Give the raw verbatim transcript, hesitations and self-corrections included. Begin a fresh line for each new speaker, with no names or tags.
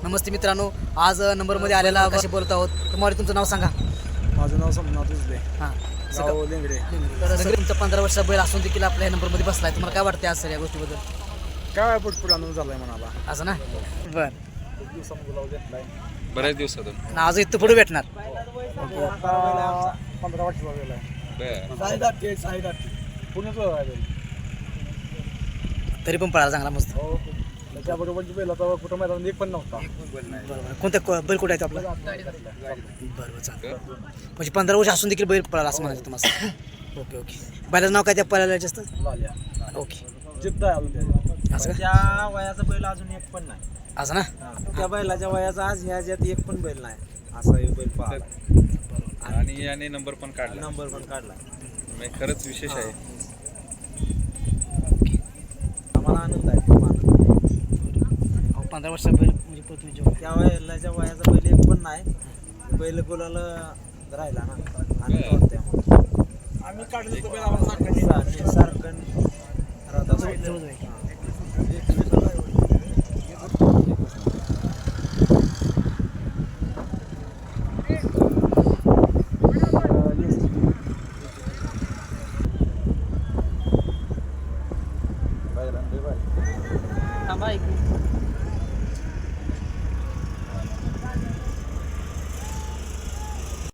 नमस्ते मित्रांनो, आज नंबरमध्ये आलेला कशी बोलत आहोत. तुम्हाला तुमचं नाव सांगा.
माझं नाव सोमनाथ उजले.
हां
गाव लेंगडे.
तर सर, तुमचा पंधरा वर्षाचा बैल असून देखील आपल्या नंबरमध्ये बसलाय. तुम्हाला काय वाटते आज सर या गोष्टीबद्दल?
काय पुटपुट आनंद झालाय म्हणाला.
असं ना. बरं,
खूप दिवसांनी गुलाब घेतलाय.
बऱ्याच दिवसातून
आज इथं पुढे भेटणार.
आता पंधरा वर्षाचा गेला पुण्याच
तरी पण पळाला चांगला मस्त.
हो त्याच्याबरोबरची बैल आता कुठं मैदान एक पण नव्हता.
बरोबर. कोणत्या को- बैल कुठे आहे तो आपला? बरोबर, चांगलं. म्हणजे पंधरा वर्ष असून देखील बैल पळाला असं म्हणायचं तुम्हाला. Okay okay. बैलाचं नाव काय त्या पळायला जास्त? ओके.
जिद्द आहे अजून त्याची.
असं का?
त्या वयाचा बैल अजून एक पण नाही.
असं ना.
त्या बैलाच्या वयाचा आज ह्याच्यात एक पण बैल नाही. असा एक बैल पाहिला
आणि याने नंबर पण काढला.
नंबर पण काढला.
म्हणजे खरंच विशेष आहे.
आम्हाला आनंद आहे खूप आनंद.
अहो, पंधरा वर्षाचा बैल म्हणजे पळतोय जेव्हा.
त्या वयाच्या वयाचा बैल एक पण नाही. बैल गुलाला राहिला ना आनंद वाटतोय आम्हाला.
आम्ही काढले तो बैल आम्हाला सारखा
सारखं सारखं राहत असतो.
जवळ जवळ आहे.
थांबा एक मिनिट.